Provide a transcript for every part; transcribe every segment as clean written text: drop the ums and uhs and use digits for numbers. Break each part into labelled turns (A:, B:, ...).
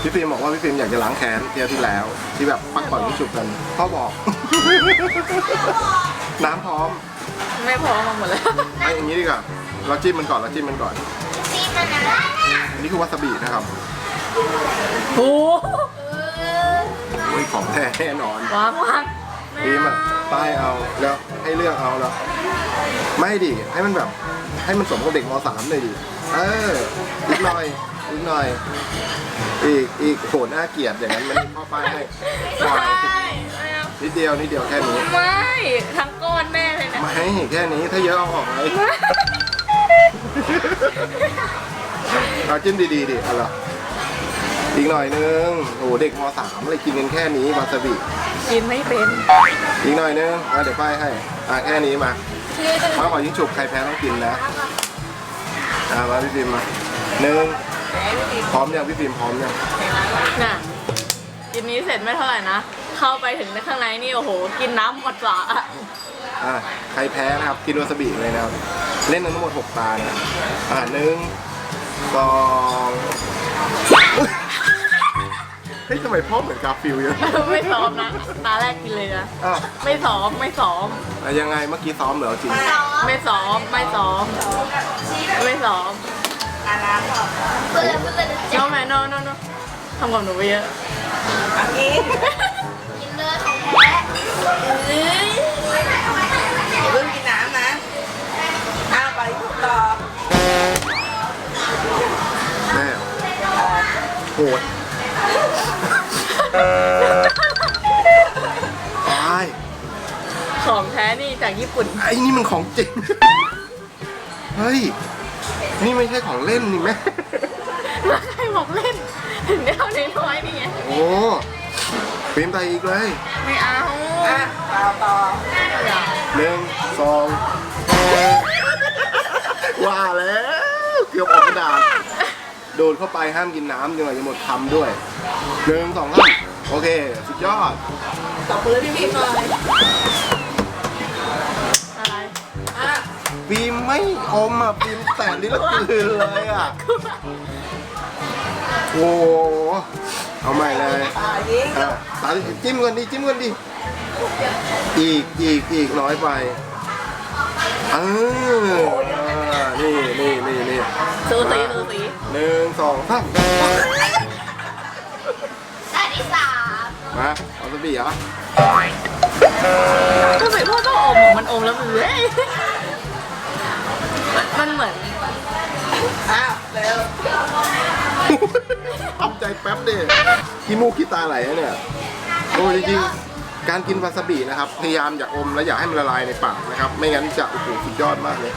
A: พี่ฟิล์มบอกว่าพี่ฟิล์มอยากจะล้างแค้นเที่ยวที่แล้วที่แบบปักก่อนที่ฉุบกันพ่อบอก น้ำพร้อม
B: ไม่พร้อมมาหมดแล้ว
A: ไอ้อย่างนี้ดีกว่าเราจิ้มมันก่อนอันนี้คือวาซาบินะครับ
B: โอ้
A: ยของแท้แน่นอน
B: วาง
A: ฟิล์มอะป้ายเอาแล้วให้เลือกเอาแล้วไม่ดิให้มันแบบให้มันสมกับเด็กม.3 เลยดิอีกหน่อยอีกโหน่าเกลียดอย่างนั้นมันพ่อป้ายให้นิดเดียวแค่นี้
B: ไม่ทั้งก้อนแม่เลยนะ
A: ไม่แค่นี้ถ้าเยอะเอาออกเลยเอาจิ้มดีดิอะไรอีกหน่อยนึงโอ้เด็กม.3 เลยกินกันแค่นี้วาซาบิ
B: กินไม่เป็น
A: อีกหน่อยนึงเดี๋ยวป้ายให้แค่นี้มาขอยิ่งฉุบใครแพ้ต้องกินนะมาพี่ฟิล์มมาพร้อมยังพี่ฟิล์มพร้อมยัง
B: น่ะกินนี้เสร็จไม่เท่าไหร่นะเข้าไปถึงในข้างในนี่โอ้โหกินน้ำหมดฝา
A: ใครแพ้นะครับกินวาซาบิเลยนะครับเล่นทั้งหมด6 ตานะ1 2เฮ้ยทำไมพ่อเหมือนกาฟิลเยอะ
B: ไม่ซ้อมนะตาแรกกินเลยนะไม่ซ้อม
A: ยังไงเมื่อกี้ซ้อมเหรอจริง
B: ไม่ซ้อมน้องแม่น้องทำกับหนูไปเยอะ
C: กินเลยของแท้อย่าเพิ่งกินน้ำนะไปต่อ
A: แม่โหด
B: ของแท้นี่จากญี่ปุ่น
A: ไอ้นี่มันของจริงเฮ้ยนี่ไม่ใช่ของเล่นนี่แม่
B: แล้วใครบอกเล่นถึงได้เอาน้อยๆนี่ไง
A: โอ้ฟิล์มไปอีกเลย
B: ไม่เอา
C: ต่อ
A: 1 2ว่าแล้วเกือบออกกระดาษโดนเข้าไปห้ามกินน้ำจนกว่าจะหมดคำด้วย1 2 3โอเคสุดยอด
C: ตบมือพี่ฟิล์มหน่อย
B: อะไร
A: ฟิล์มไม่อมฟิล์มแต่ลิ้นละกืนเลยโอ้เอาใหม่เลยตาจิ้มกันดิอีกน้อยไปนี่
B: สูสี
A: 1 2 3
C: ได้ที่3
A: มาเอาสบีเหรอ
B: ก็ใส่พ่อต้องอมมันอมแล้วมันเหมือน
C: เร็ว
A: ทำใจแป๊บดิขี้มูกขี้ตาไหลเนี่ยโอ้จริงๆการกินวาซาบินะครับพยายามอย่าอมและอย่าให้มันละลายในปากนะครับไม่งั้นจะโอ้โหสุดยอดมากเลย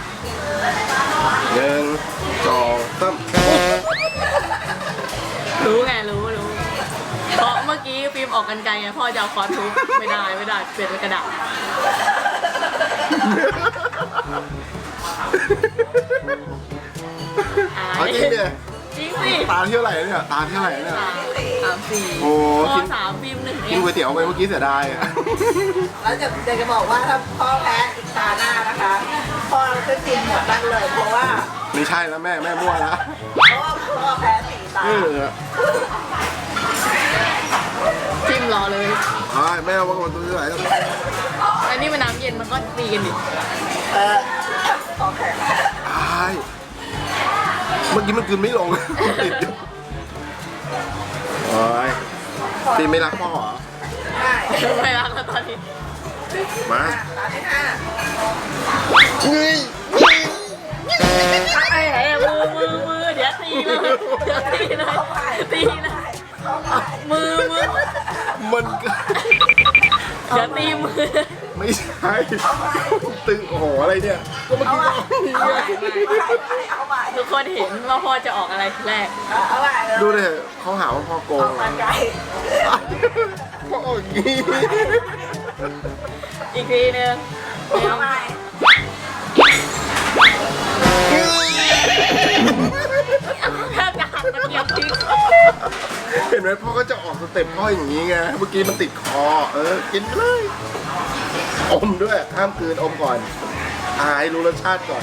A: 1 2 3
B: รู้เพราะเมื่อกี้ฟิล์มออกกันไกลไงพ่อจะเอาค้อนทุบไม่ได้เปลี่ยนเป็นกระดาษ
A: เอาจริงดิ
B: จริงสิ
A: ตาเท่าไหร่เนี่ย
B: 3 4
A: โอ้
B: กิน3ฟิล์ม1
A: กินก๋วยเตี๋ยวไปเมื่อกี้เสียดาย
C: แล้วจะบอกว่าถ้าพ่อแพ้อีกตาหน้านะคะพ่อจะกินหมดนั่นเลยเพราะว่า
A: ไม่ใช่แล้วแม่มั่วแล้ว
C: เพราะว่าพ่อแพ้4 ตา
B: จิ้มรอเลย
A: แม่ว่ามันตัวไหน
B: อันนี้มันน้ำเย็นมันก็ตีกันดิ
C: โอเค
A: เมื่อกี้มันกลืนไม่ลงติดอยู่ตีไม่รักพ่อเหรอ
B: ไม่รักแล้วตอนนี้
A: มา
C: ตาที่5
B: มือเดี๋ยวตีเลยมือ
A: มัน
B: เดี๋ยวตีมือ
A: ไม่ใช่ตึงโอ้โหอะไรเนี่ยก็เมื่อกี้
B: ทุกคนเห็นว่าพ่อจะออกอะไรทีแรก
A: ดูเลยเขาหาว่าพ่อโกงพ่ออย่างนี้
B: อีกทีนึงแทบจะหักกระเทียมทิ้ง
A: เห็นไหมพ่อก็จะออกสเต็ปพ่ออย่างนี้ไงเมื่อกี้มันติดคอกินเลยอมด้วยห้ามกลืนอมก่อนรู้รสชาติก่อน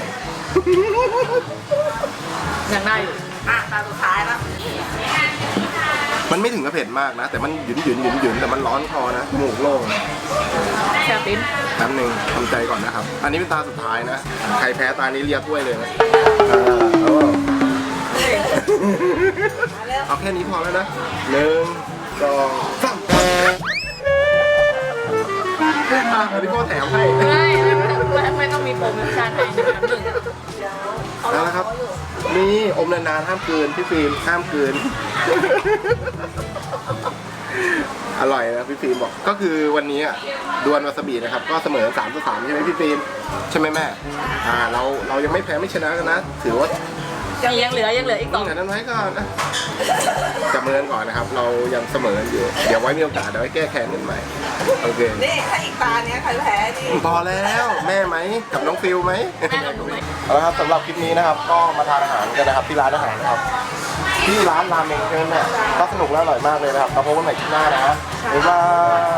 B: ยังได้อยู่
C: ตาสุดท้ายแล้ว
A: มันไม่ถึงกับเผ็ดมากนะ แต่มันหยุ่นแต่มันร้อนคอนะจมูกโล่ง
B: แซ่บฟิล์ม
A: แป๊บหนึงทำใจก่อนนะครับ อันนี้เป็นตาสุดท้ายนะ ใครแพ้ตานี้เรียกถ้วยเลยนะเอาแค่นี้พอแล้วนะ1 2 3อันนี้พ่อแถมให้
B: ไม่ต้องมีโปรโมชั่นให้นะครับหนึ่ง
A: เอาละครับ นี่อมนานๆห้ามกลืนพี่ฟิล์มห้ามกลืน อร่อยนะพี่ฟิล์มบอกก็คือวันนี้ดวลวาซาบินะครับก็เสมอ3-3ใช่ไหมพี่ฟิล์มใช่ไหมแม่เรายังไม่แพ้ไม่ชนะกันนะถือว่า
B: ยังเหลืออีกสอง
A: แต่นั้นไว้ก่อนนะจับมือกันก่อนนะครับ เรายังเสมออยู่เดี๋ยวไว้มีโอกาสเดี๋ยวไว้แก้แค้นกันใหม่โอเค
C: นี่ถ้าอีกตาเนี้ยใครแพ้นี่
A: พอแล้วแม่ไหมกับน้องฟิลไหม
B: แม่กับหนูไหม
A: เอาละครับสำหรับคลิปนี้นะครับก็มาทานอาหารกันนะครับที่ร้านอาหารนะครับที่ร้านราเมงใช่ไหมแม่ก็สนุกและอร่อยมากเลยนะครับเราพบกันใหม่คลิปหน้านะบ๊ายบาย